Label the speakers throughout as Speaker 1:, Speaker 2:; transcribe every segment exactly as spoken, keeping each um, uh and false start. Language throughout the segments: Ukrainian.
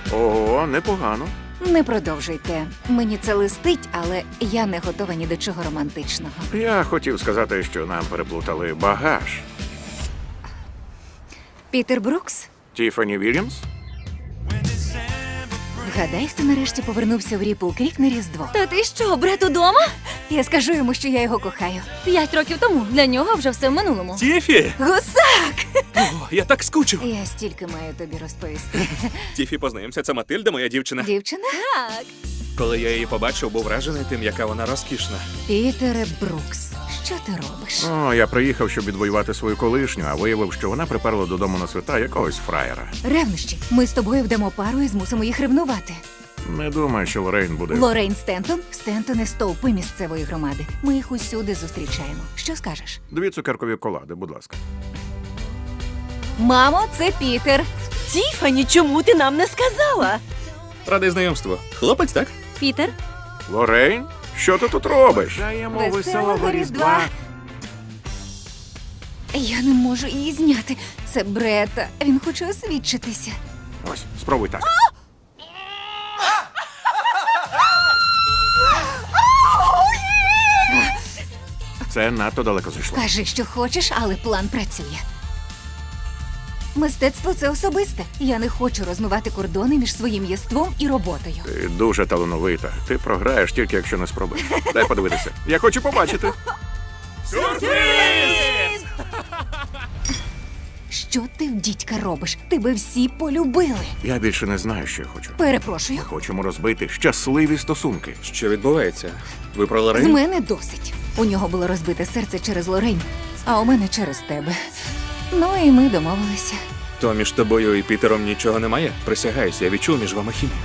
Speaker 1: Ого, непогано.
Speaker 2: Не продовжуйте. Мені це листить, але я не готова ні до чого романтичного.
Speaker 1: Я хотів сказати, що нам переплутали багаж.
Speaker 2: Пітер Брукс?
Speaker 1: Тіфані Вільямс?
Speaker 2: Вгадай, хто нарешті повернувся в Ріпл Крік на Різдво.
Speaker 3: Та ти що, брат удома?
Speaker 2: Я скажу йому, що я його кохаю.
Speaker 3: П'ять років тому. Для нього вже все в минулому.
Speaker 4: Тіфі!
Speaker 2: Гусак!
Speaker 4: О, я так скучив.
Speaker 2: Я стільки маю тобі розповісти.
Speaker 4: Тіфі, познайомся, це Матильда, моя дівчина.
Speaker 2: Дівчина?
Speaker 3: Так.
Speaker 4: Коли я її побачив, був вражений тим, яка вона розкішна.
Speaker 2: Пітере Брукс, що ти робиш?
Speaker 1: О, я приїхав, щоб відвоювати свою колишню, а виявив, що вона приперла додому на свята якогось фраєра.
Speaker 2: Ревнощі. Ми з тобою вдамо пару і змусимо їх ревнувати.
Speaker 1: Не думаю, що Лорейн буде.
Speaker 2: Лорейн Стентон? Стентони – стовпи місцевої громади. Ми їх усюди зустрічаємо. Що скажеш?
Speaker 1: Дві цукеркові колади, будь ласка.
Speaker 2: Мамо, це Пітер.
Speaker 3: Тіфані, чому ти нам не сказала?
Speaker 4: Радий знайомству. Хлопець, так?
Speaker 3: Пітер?
Speaker 1: Лорейн? Що ти тут робиш? Бажаємо
Speaker 2: Веселого Різдва. Я не можу її зняти. Це Брета. Він хоче освідчитися.
Speaker 1: Ось, спробуй так. Це надто далеко зайшло.
Speaker 2: Кажи, що хочеш, але план працює. Мистецтво – це особисте. Я не хочу розмивати кордони між своїм єством і роботою.
Speaker 1: Ти дуже талановита. Ти програєш тільки, якщо не спробуєш. Дай подивитися. Я хочу побачити.
Speaker 2: Що ти в дідька робиш? Тебе всі полюбили.
Speaker 1: Я більше не знаю, що я хочу.
Speaker 2: Перепрошую.
Speaker 1: Ми хочемо розбити щасливі стосунки.
Speaker 4: Що відбувається? Ви про
Speaker 2: З
Speaker 4: Лорейн?
Speaker 2: мене досить. У нього було розбите серце через Лорейн, а у мене через тебе. Ну і ми домовилися.
Speaker 4: То між тобою і Пітером нічого немає? Присягаюсь, я відчув між вами хімію.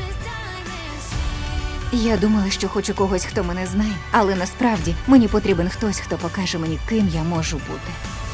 Speaker 2: Я думала, що хочу когось, хто мене знає, але насправді мені потрібен хтось, хто покаже мені, ким я можу бути.